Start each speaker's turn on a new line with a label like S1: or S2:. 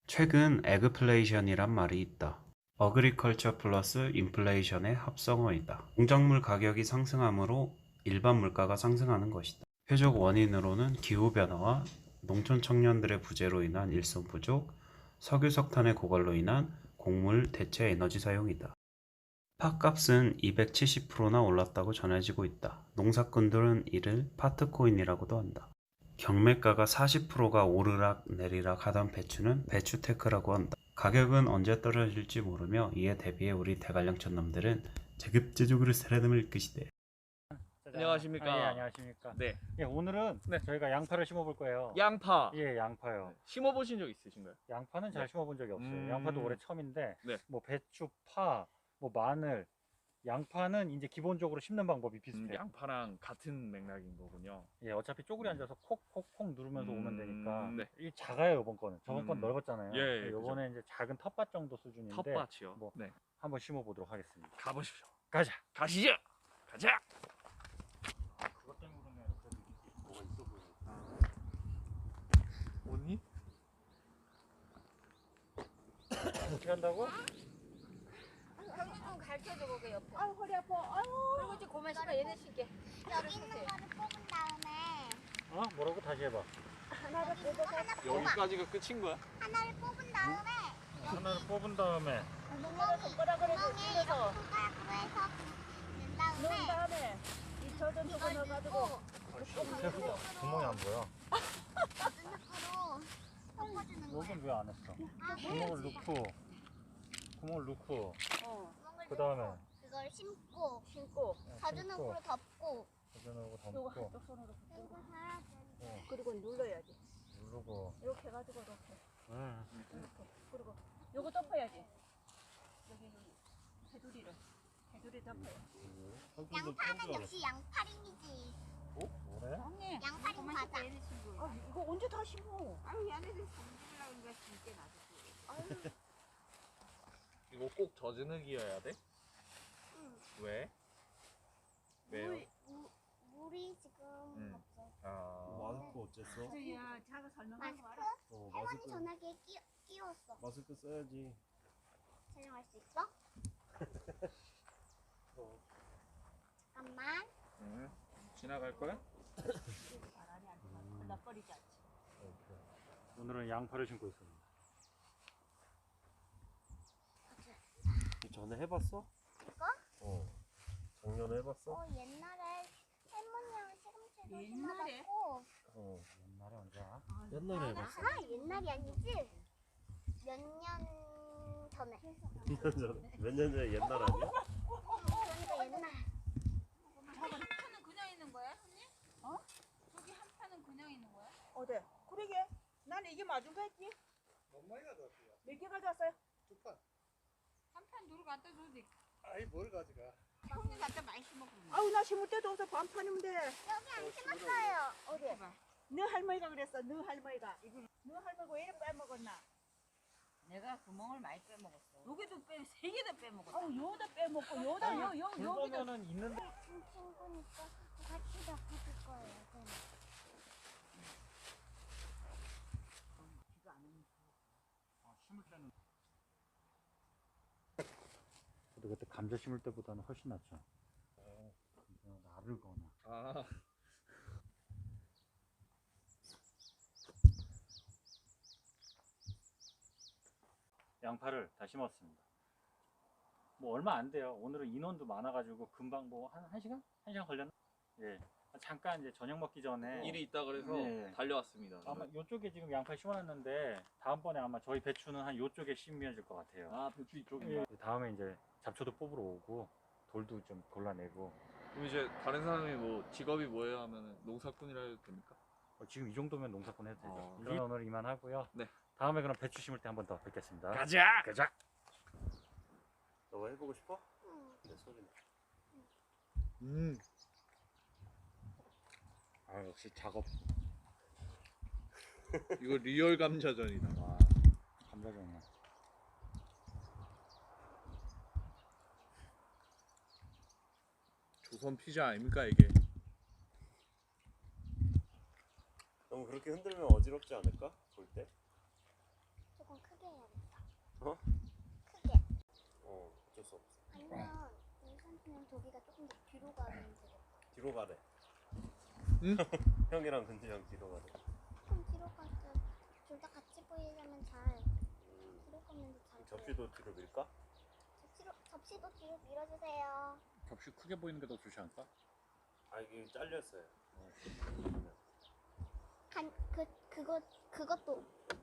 S1: 최근 에그플레이션이란 말이 있다. 어그리컬처 플러스 인플레이션의 합성어이다. 농작물 가격이 상승하므로 일반 물가가 상승하는 것이다. 표적 원인으로는 기후변화와 농촌 청년들의 부재로 인한 일손 부족, 석유 석탄의 고갈로 인한 곡물 대체 에너지 사용이다. 팥값은 270%나 올랐다고 전해지고 있다. 농사꾼들은 이를 파트코인이라고도 한다. 경매가가 40%가 오르락 내리락 하던 배추는 배추테크라고 한다. 가격은 언제 떨어질지 모르며 이에 대비해 우리 대관령 촌놈들은 자급자족으로 살아남을 것이다.
S2: 안녕하십니까.
S3: 예, 안녕하십니까.
S2: 네.
S3: 예, 오늘은
S2: 네.
S3: 저희가 양파를 심어볼 거예요.
S2: 양파.
S3: 예, 양파요.
S2: 심어보신 적 있으신가요?
S3: 양파는 잘
S2: 네.
S3: 심어본 적이 없어요. 양파도 올해 처음인데,
S2: 네.
S3: 뭐 배추, 파, 뭐 마늘, 양파는 이제 기본적으로 심는 방법이 비슷해요.
S2: 양파랑 같은 맥락인 거군요.
S3: 예, 어차피 쪼그리 앉아서 콕콕콕 누르면서 오면 되니까.
S2: 네.
S3: 이 작아요, 이번 거는. 저번 건 넓었잖아요.
S2: 예,
S3: 이번에 이제 작은 텃밭 정도 수준인데,
S2: 텃밭이요.
S3: 뭐
S2: 네.
S3: 한번 심어보도록 하겠습니다.
S2: 가보십시오.
S3: 가자.
S2: 가시죠. 가자.
S3: 그것 때문에 그래도 뭐가 있어 보여요.
S2: 언니?
S3: 어떻게 한다고?
S4: 형님 좀 가르쳐줘 거기 옆에.
S5: 아유 허리 아파. 아유.
S4: 그리고 이제 고만 씨가 얘네 신게.
S5: 여기 있는 거를 뽑은 다음에
S3: 어? 뭐라고 다시 해봐.
S5: 하나를 뽑아서
S2: 여기까지가 끝인 거야?
S5: 하나를 뽑은 다음에
S3: 하나를 뽑은 다음에
S5: 구멍이
S4: 손가락으로 이렇게
S5: 구멍에
S4: 찔러서.
S5: 손가락으로 해서 낸
S4: 넣은
S5: 다음에
S4: 다음에 이 젖은 저거
S5: 이걸
S4: 넣어가지고
S5: 넣고
S3: 구멍이 안 보여.
S5: 누누으로 덮어주는 거야.
S3: 여긴 왜 안 했어?
S5: 아,
S3: 구멍을 넣고
S4: 어
S5: 구멍을
S3: 그 다음에
S5: 넣고 그걸 심고
S4: 심고
S5: 자주눈으로 덮고
S3: 버전하고
S4: 요거
S3: 담고
S4: 한쪽 손으로
S5: 그리고
S4: 고
S5: 하나
S4: 그리고 눌러야지.
S3: 누르고
S4: 이렇게 해가지고 이렇게
S3: 응.
S4: 이렇게 그리고 요거 덮어야지. 여기 테두리 덮어요.
S5: 양파는 역시 양파링이지.
S3: 뭐래?
S4: 형님
S5: 양파링 맞아.
S4: 아 이거 언제 다 심어?
S6: 아유 얘네들 정질라고 인가 진짜 놔두고.
S2: 이거 꼭 젖은 흙이어야 돼?
S5: 응.
S2: 왜? 왜요?
S5: 물이 지금 없어.
S2: 아.
S7: 어쨌어?
S6: 저야 자가 설명하고
S5: 마스크?
S6: 알아.
S5: 할머니 전화기에 끼웠어.
S7: 마스크 써야지.
S5: 촬영할 수 있어? 잠깐만.
S2: 지나갈 거야?
S4: 바람이 안 들어가면 건너버리지 않지.
S3: 오늘은 양파를 심고 있습니다.
S7: 전에 해봤어?
S5: 이거?
S7: 작년에 해봤어?
S5: 옛날에 할머니랑 시금치도
S4: 옛날에?
S5: 심어봤고.
S3: 옛날에 언제?
S7: 옛날에 해봤어.
S5: 아, 옛날이 아니지? 몇 년 전에.
S7: 몇 년 전에 옛날 아니야?
S5: 그러니까 옛날.
S6: 한 판은 그냥 있는 거야, 언니? 어? 저기 한 판은 그냥 있는 거야?
S4: 어디? 그러게. 난 이게 맞은 거 했지.
S8: 몇 마리 가져왔어요?
S4: 몇 개 가져왔어요?
S8: 두 판.
S6: 한 판 누구 갖다 줘도 돼.
S8: 아이 뭘 가져가?
S6: 형님 갖다 많이 심어 그러면.
S4: 아우 나 심을 때도 없어. 반판이면 돼.
S5: 여기 안 심었어요.
S4: 어디? 너 할머니가 그랬어. 너 할머니가. 너 할머니가 왜 이렇게 빼먹었나?
S6: 내가 구멍을 많이 빼먹었어. 여기도 세 개도 빼먹었어.
S4: 아우 요다 빼먹고 요다 여기다.
S3: 그러면은 있는데
S5: 친구니까 같이 덮어줄 거예요. 그럼.
S3: 심을 때는 그래도 그때 감자 심을 때보다는 훨씬 낫죠. 나르거나.
S2: 아.
S3: 양파를 다 심었습니다. 뭐 얼마 안 돼요. 오늘은 인원도 많아가지고 금방 뭐 한 시간? 한 시간 걸렸나? 예. 잠깐 이제 저녁 먹기 전에
S2: 일이 있다 그래서
S3: 네.
S2: 달려왔습니다.
S3: 아마 요쪽에 지금 양파 심어놨는데 다음번에 아마 저희 배추는 한 요쪽에 심어질 것 같아요.
S2: 아, 배추 이쪽인가?
S3: 예. 다음에 이제 잡초도 뽑으러 오고 돌도 좀 골라내고
S2: 그럼 이제 다른 사람이 뭐 직업이 뭐예요 하면은 농사꾼이라 해도 됩니까?
S3: 지금 이 정도면 농사꾼 해도 되죠.
S2: 아,
S3: 그러면 오늘 이만 하고요.
S2: 네.
S3: 다음에 그럼 배추 심을 때 한 번 더 뵙겠습니다.
S2: 가자!
S3: 가자.
S7: 너 해보고 싶어?
S5: 응.
S7: 내 소리.
S3: 아 역시 작업.
S2: 이거 리얼 감자전이다.
S3: 와 감자전이야.
S2: 조선 피자 아닙니까 이게?
S7: 너무 그렇게 흔들면 어지럽지 않을까? 볼 때?
S5: 조금 크게 그냥 도기가 조금 더 뒤로 가면 되겠다.
S7: 뒤로 가래.
S2: 응?
S7: 형이랑 근지랑 뒤로 가래.
S5: 조금 뒤로 가서 둘 다 같이 보이려면 잘 뒤로 가면 더 잘 보여.
S7: 접시도 뒤로 밀까?
S5: 접시도 뒤로 밀어주세요.
S3: 접시 크게 보이는 게 더 좋지 않을까?
S7: 아 이게 잘렸어요.
S5: 그것도